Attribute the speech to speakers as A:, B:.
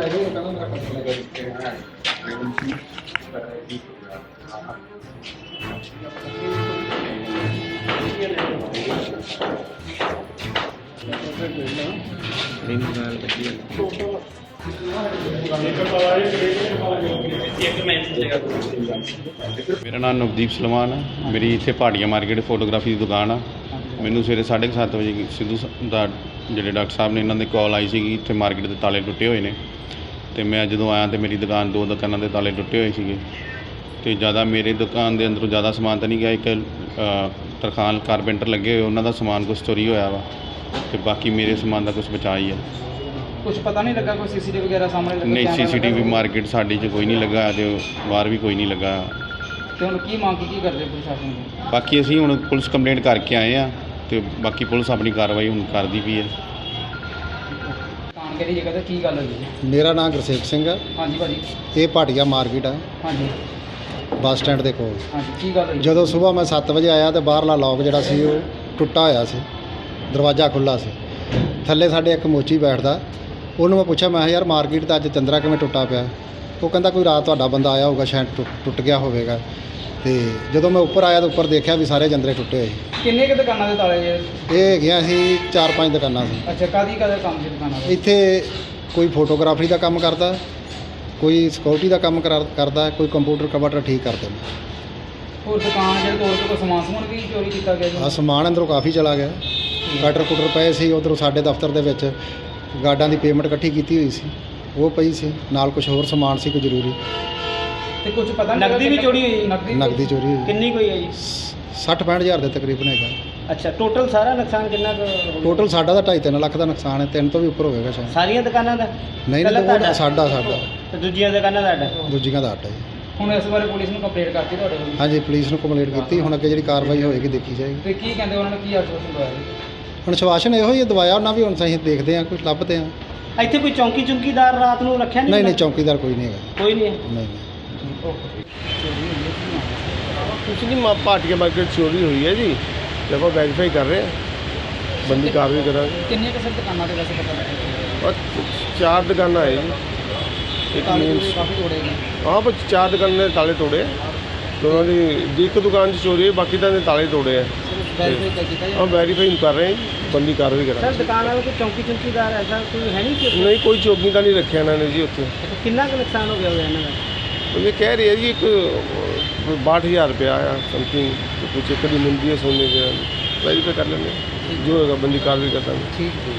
A: मेरा नाम नवदीप सलमान है। मेरी इत्थे पहाड़िया मार्केट फोटोग्राफी की दुकान आ। मैनू सवेरे 7:30 बजे सिद्धू दा ਜਿਹੜੇ डॉक्टर साहब ने इन्होंने कॉल आई सी इत्थे मार्केट के ताले टुटे हुए हैं। तो मैं जो आया तो मेरी दुकान 2 दुकानों के ताले टुटे हुए थे। तो ज़्यादा मेरी दुकान के अंदरों ज़्यादा समान तो नहीं गया। एक तरखान कारपेंटर लगे हुए उन्होंने समान कुछ चोरी होया वा। तो बाकी मेरे समान का कुछ बचा ही है।
B: कुछ पता नहीं लगा कोई CCTV वगैरह सामने लगा?
A: नहीं, CCTV मार्केट साड़ी च कोई नहीं लगा तो बाहर भी कोई नहीं लगा।
B: तो हुण की मांग की करदे प्रशासन को?
A: बाकी असीं हुण पुलिस कंप्लेंट करके आए हैं तो बाकी पुलिस अपनी कार्रवाई हुण करदी पई है।
B: दुकान किहड़ी जगह ते की गल होई?
C: मेरा नाम गुरसेख सिंह है।
B: हाँ जी भाजी।
C: ये भाटिया मार्केट है
B: हाँ जी।
C: बस स्टैंड के कोल।
B: हाँ जी की गल होई?
C: ਜਦੋਂ ਸੁਬਾਹ ਮੈਂ 7 ਵਜੇ ਆਇਆ ਤੇ ਬਾਹਰਲਾ ਲੌਕ ਜਿਹੜਾ ਸੀ ਉਹ ਟੁੱਟਾ ਹੋਇਆ ਸੀ, ਦਰਵਾਜ਼ਾ ਖੁੱਲ੍ਹਾ ਸੀ। ਥੱਲੇ ਸਾਡੇ ਇੱਕ ਮੋਚੀ ਬੈਠਦਾ, ਉਹਨੂੰ ਮੈਂ ਪੁੱਛਿਆ ਮੈਂ ਕਿਹਾ ਯਾਰ ਮਾਰਕੀਟ ਤਾਂ ਅੱਜ ਚੰਦਰਾ ਕਿਵੇਂ ਟੁੱਟਾ ਪਿਆ? ਉਹ ਕਹਿੰਦਾ ਕੋਈ ਰਾਤ ਤੁਹਾਡਾ ਬੰਦਾ ਆਇਆ ਹੋਊਗਾ ਸ਼ਾਇਦ ਟੁੱਟ ਗਿਆ ਹੋਵੇਗਾ। ਤੇ ਜਦੋਂ ਮੈਂ ਉੱਪਰ ਆਇਆ ਤਾਂ ਉੱਪਰ ਦੇਖਿਆ ਵੀ ਸਾਰੇ ਜੰਦਰੇ ਟੁੱਟੇ ਹੋਏ।
B: ਕਿੰਨੇ ਕੁ ਦੁਕਾਨਾਂ ਦੇ ਤਾਲੇ ਜੇ?
C: ਇਹ ਹੈਗੀਆਂ ਸੀ 4-5 ਦੁਕਾਨਾਂ ਸੀ।
B: ਅੱਛਾ ਕਾਦੀ ਕੰਮ ਸੀ ਦੁਕਾਨਾਂ ਦਾ?
C: ਇੱਥੇ ਕੋਈ ਫੋਟੋਗ੍ਰਾਫੀ ਦਾ ਕੰਮ ਕਰਦਾ, ਕੋਈ ਸਿਕਿਉਰਿਟੀ ਦਾ ਕੰਮ ਕਰਦਾ, ਕੋਈ ਕੰਪਿਊਟਰ ਕਵਰ ਠੀਕ ਕਰਦੇ ਨੇ।
B: ਹੋਰ ਦੁਕਾਨ ਜਿਹੜੇ ਤੋੜ ਕੇ ਕੋਈ ਸਮਾਨ ਵੀ ਚੋਰੀ ਕੀਤਾ ਗਿਆ ਜੀ?
C: ਆ ਸਮਾਨ ਅੰਦਰੋਂ ਕਾਫੀ ਚਲਾ ਗਿਆ। ਕਟਰ ਕੁਟਰ ਪਏ ਸੀ ਉੱਧਰੋਂ ਸਾਡੇ ਦਫ਼ਤਰ ਦੇ ਵਿੱਚ। ਗਾਰਡਾਂ ਦੀ ਪੇਮੈਂਟ ਇਕੱਠੀ ਕੀਤੀ ਹੋਈ ਸੀ ਉਹ ਪਈ ਸੀ, ਨਾਲ ਕੁਝ ਹੋਰ ਸਮਾਨ ਸੀ ਕੋਈ ਜ਼ਰੂਰੀ।
B: ਤੇ ਕੁਝ ਪਤਾ ਨਹੀਂ
D: ਨਕਦੀ ਵੀ ਚੋਰੀ ਹੋਈ?
C: ਨਕਦੀ ਚੋਰੀ ਹੋਈ।
D: ਕਿੰਨੀ ਕੋਈ ਹੈ ਜੀ?
C: 60-65 ਹਜ਼ਾਰ ਦੇ ਤਕਰੀਬਨ ਹੈਗਾ।
D: ਅੱਛਾ ਟੋਟਲ ਸਾਰਾ ਨੁਕਸਾਨ ਕਿੰਨਾ ਕੁ?
C: ਟੋਟਲ ਸਾਡਾ ਤਾਂ 2.5-3 ਲੱਖ ਦਾ ਨੁਕਸਾਨ ਹੈ, 3 ਤੋਂ ਵੀ ਉੱਪਰ ਹੋਵੇਗਾ ਸ਼ਾਇਦ।
D: ਸਾਰੀਆਂ ਦੁਕਾਨਾਂ ਦਾ?
C: ਨਹੀਂ
D: ਪਹਿਲਾਂ
C: ਨਹੀਂ
D: ਤੁਹਾਡਾ?
C: ਸਾਡਾ
D: ਤੇ ਦੂਜੀਆਂ ਦੁਕਾਨਾਂ ਦਾ?
C: ਦੂਜੀਆਂ ਦਾ ਆਟਾ ਜੀ।
B: ਹੁਣ ਇਸ ਬਾਰੇ ਪੁਲਿਸ ਨੂੰ ਕੰਪਲੇਂਟ ਕਰਤੀ ਤੁਹਾਡੇ ਕੋਲ?
C: ਹਾਂਜੀ ਪੁਲਿਸ ਨੂੰ ਕੰਪਲੇਂਟ ਕੀਤੀ, ਹੁਣ ਅੱਗੇ ਜਿਹੜੀ ਕਾਰਵਾਈ ਹੋਏਗੀ ਦੇਖੀ ਜਾਏਗੀ।
B: ਤੇ ਕੀ ਕਹਿੰਦੇ ਉਹਨਾਂ ਨੇ ਕੀ ਆਸ਼ਵਾਸਨ ਦਵਾਇਆ ਜੀ?
C: ਹੁਣ ਸ਼ਵਾਸ਼ਨ ਇਹੋ ਹੀ ਦਵਾਇਆ ਉਹਨਾਂ ਵੀ, ਹੁਣ ਅਸੀਂ ਦੇਖਦੇ ਹਾਂ ਕੁਝ ਲੱਭਦੇ ਹਾਂ।
D: ਇੱਥੇ ਕੋਈ ਚੌਂਕੀਦਾਰ ਰਾਤ ਨੂੰ ਰੱਖਿਆ ਨਹੀਂ?
C: ਨਹੀਂ ਚੌਕੀਦਾਰ ਕੋਈ ਨਹੀਂ ਹੈਗਾ।
D: ਕੋਈ ਨਹੀਂ ਹੈ?
C: ਨਹੀਂ
E: कुछ नहीं, भाटिया मार्केट चोरी हुई है जी। जब आप वेरीफाई कर रहे हैं, बंदी कार्रवाई करा।
B: ਕਿੰਨੇ ਕੁ ਦੁਕਾਨਾਂ ਦੇ ਵੈਸੇ ਪਤਾ ਲੱਗਿਆ?
E: और 4 दुकाना है जी। एक मीन्स
B: ਕਾਫੀ ਤੋੜੇ ਗਏ।
E: हाँ पर 4 दुकान ने ताले तोड़े। दोनों की एक दुकान से चोरी है, बाकी तो ताले तोड़े हैं।
B: ਵੈਰੀਫਾਈ ਕੀਤਾ
E: हम वेरीफाई कर रहे हैं जी, बंदी कार्रवाई करा।
D: ਸਰ ਦੁਕਾਨ ਵਾਲੇ ਕੋਈ ਚੌਂਕੀਦਾਰ ਐਸਾ ਕੋਈ ਹੈ ਨਹੀਂ ਕਿ?
E: नहीं कोई चौकी का नहीं रखे इन्होंने जी उत्थे।
D: ਕਿੰਨਾ ਕੁ ਨੁਕਸਾਨ ਹੋ ਗਿਆ ਹੋਇਆ ਇਹਨਾਂ ਦਾ?
E: तो ये कह रही है जी एक 62,000 रुपया आया समथिंग। तो कुछ एक मुंदी है सोने के, वेरीफाई कर लेंगे जो होगा बंदी कार्रवाई करता है।
B: ਠੀਕ